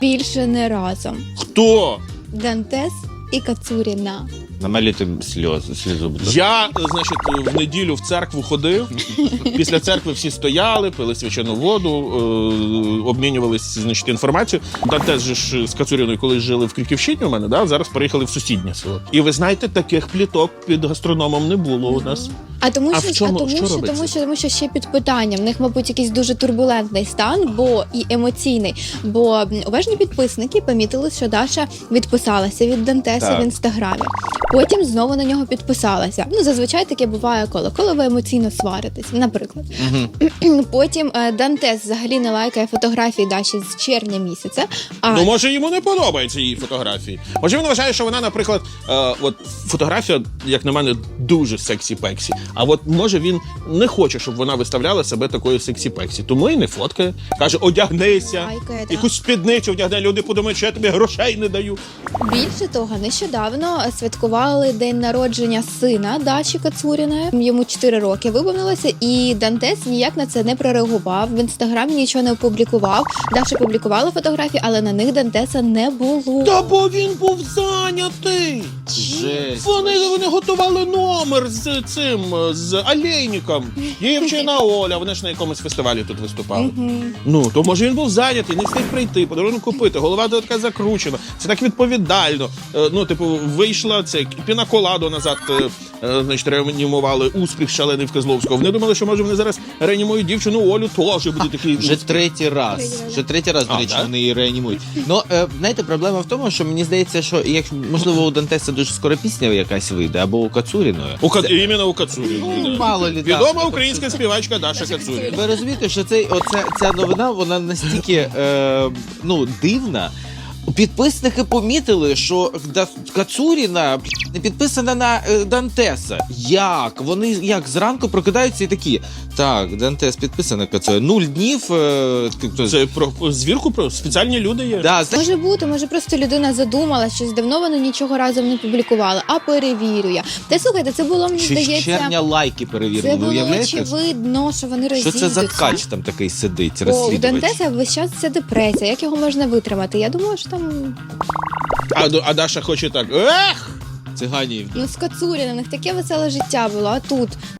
Більше не разом. Хто? Дантес і Кацуріна. Намалюйте слізу, будь ласка. Я, значить, в неділю в церкву ходив. Після церкви всі стояли, пили свячену воду, обмінювалися, значить, інформацією. Дантес же ж з Кацуріною колись жили в Крюківщині у мене, да? Зараз переїхали в сусіднє село. І ви знаєте, таких пліток під гастрономом не було у нас. Тому що ще під питанням. В них, мабуть, якийсь дуже турбулентний стан, і емоційний. Бо уважні підписники помітили, що Даша відписалася від Дантеса в інстаграмі. Потім знову на нього підписалася. Зазвичай таке буває, коли ви емоційно сваритесь, наприклад. Потім Дантес взагалі не лайкає фотографії Даші з червня місяця. Ну, може, йому не подобаються її фотографії. Може, він вважає, що вона, наприклад, от фотографія, як на мене, дуже сексі-пексі. А от, може, він не хоче, щоб вона виставляла себе такою сексі-пексі. Тому і не фоткає. Каже, одягнися, Лайкає, якусь спідницю одягни. Люди подумають, що я тобі грошей не даю. Більше того, нещодавно святкували день народження сина Даші Кацуріної. Йому 4 роки виповнилося, і Дантес ніяк на це не прореагував. В інстаграмі нічого не опублікував. Даша публікувала фотографії, але на них Дантеса не було. Та бо він був зайнятий. Жесть. Вони готували номер з цим, з Олейником. Дівчина Оля, вони ж на якомусь фестивалі тут виступали. Ну, то може він був зайнятий, не встиг прийти, подарунок купити, голова така закручена. Це так відповідально. Ну, типу, вийшла це пінаколаду назад, значить, реанімували успіх шалений в Козловського. Вони думали, що, може, вони зараз реанімують дівчину Олю, теж буде такий... Вже третій раз, до речі, вони її реанімують. Ну, знаєте, проблема в тому, що мені здається, що, можливо, у Дантеса дуже скоро пісня якась вийде, або у Кацуріної. Іменно у Кацуріної. Ну, мало лі, відома українська співачка Даша Кацуріна. Ви розумієте, що ця новина, вона настільки дивна. Підписники помітили, що Кацуріна не підписана на Дантеса. Як? Вони зранку прокидаються і такі, так, Дантес підписана Кацуріна. 0 днів. Це про звірку, про спеціальні люди є. Да, Може бути, може просто людина задумала, щось давно вони нічого разом не публікували, а перевірю я. Та слухайте, це було, мені здається... З червня лайки перевірили, це ви було уявляєте? очевидно, що вони розійдуться. Що це за ткач там такий сидить, У розслідувач? Дантеса весь час це депресія, як його можна витримати? Я думаю, що там... А Даша хоче так, ех! Циганів. З Кацуріна, в них таке веселе життя було, а тут...